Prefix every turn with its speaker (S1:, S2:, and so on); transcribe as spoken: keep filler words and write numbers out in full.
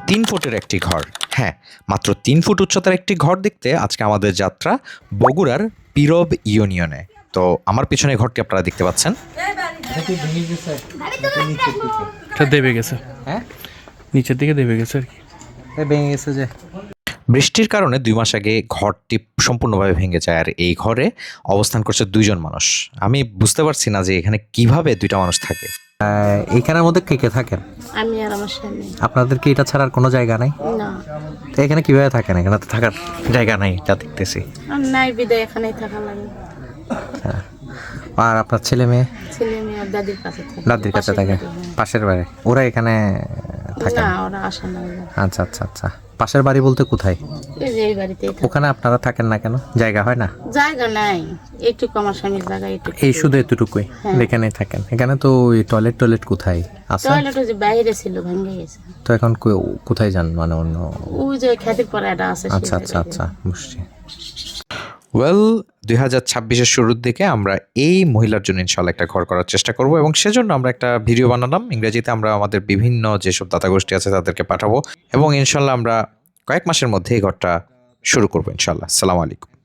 S1: তিন ফুটের একটি ঘর, হ্যাঁ মাত্র তিন ফুট উচ্চতার একটি ঘর দেখতে আজকে আমাদের যাত্রা বগুড়ার পীরব ইউনিয়নে। তো আমার পিছনে ঘরটি আপনারা দেখতে পাচ্ছেন।
S2: এটা দেবে গেছে,
S1: হ্যাঁ
S2: নিচের দিকে দেবে গেছে আর কি,
S1: ভেঙে গেছে যে বৃষ্টির কারণে দুই মাস আগে ঘরটি সম্পূর্ণভাবে ভেঙে যায়, আর এই ঘরে অবস্থান করছে দুইজন মানুষ। আমি বুঝতে পারছি না যে এখানে কিভাবে দুইটা মানুষ থাকে। এইখানের মধ্যে কে কে থাকেন?
S3: আমি আর আমার স্বামী।
S1: আপনাদের কি এটা ছাড়ার কোনো জায়গা নাই?
S3: না,
S1: তো এখানে কিভাবে থাকেন? এখানে তো থাকার জায়গা নাই, যা দেখতেছি।
S3: আর নাই বিদায় এখানেই থাকা লাগে।
S1: হ্যাঁ। আর আপনার ছেলে মেয়ে?
S3: ছেলে মেয়ে আর দাদির কাছে থাকে।
S1: দাদির কাছে থাকে, পাশের বাড়ি। ওরা এখানে থাকে
S3: না,
S1: না?
S3: ওরা আসে না।
S1: আচ্ছা আচ্ছা আচ্ছা। পাশের বাড়ি বলতে কোথায়?
S3: এই যে এই বাড়িতেই থাকে।
S1: ওখানে আপনারা থাকেন না কেন? জায়গা হয় না?
S3: জায়গা নাই, এইটুকু আমার স্বামীর জায়গা এইটুকু।
S1: এই শুধু এতটুকুই
S3: হ্যাঁ।
S1: এখানেই থাকেন? এখানে তো ওই টয়লেট টয়লেট কোথায় আছে?
S3: টয়লেট ওই যে বাইরে ছিল, ভেঙে গেছে।
S1: তো এখন কো- কোথায় যান মানে অন্য?
S3: ওই যে খ্যাতির পরে একটা আছে। সেই
S1: আচ্ছা আচ্ছা
S3: জায়গায়।
S1: আচ্ছা বুঝছি। ওয়েল, দুই হাজার ছাব্বিশের শুরুর দিকে আমরা এই মহিলার জন্য ইনশাল্লাহ একটা ঘর করার চেষ্টা করব, এবং সেজন্য আমরা একটা ভিডিও বানালাম ইংরেজিতে। আমরা আমাদের বিভিন্ন যেসব দাতা গোষ্ঠী আছে তাদেরকে পাঠাবো, এবং ইনশাল্লাহ আমরা কয়েক মাসের মধ্যে এই ঘরটা শুরু করবো ইনশাল্লাহ। আসসালামু আলাইকুম।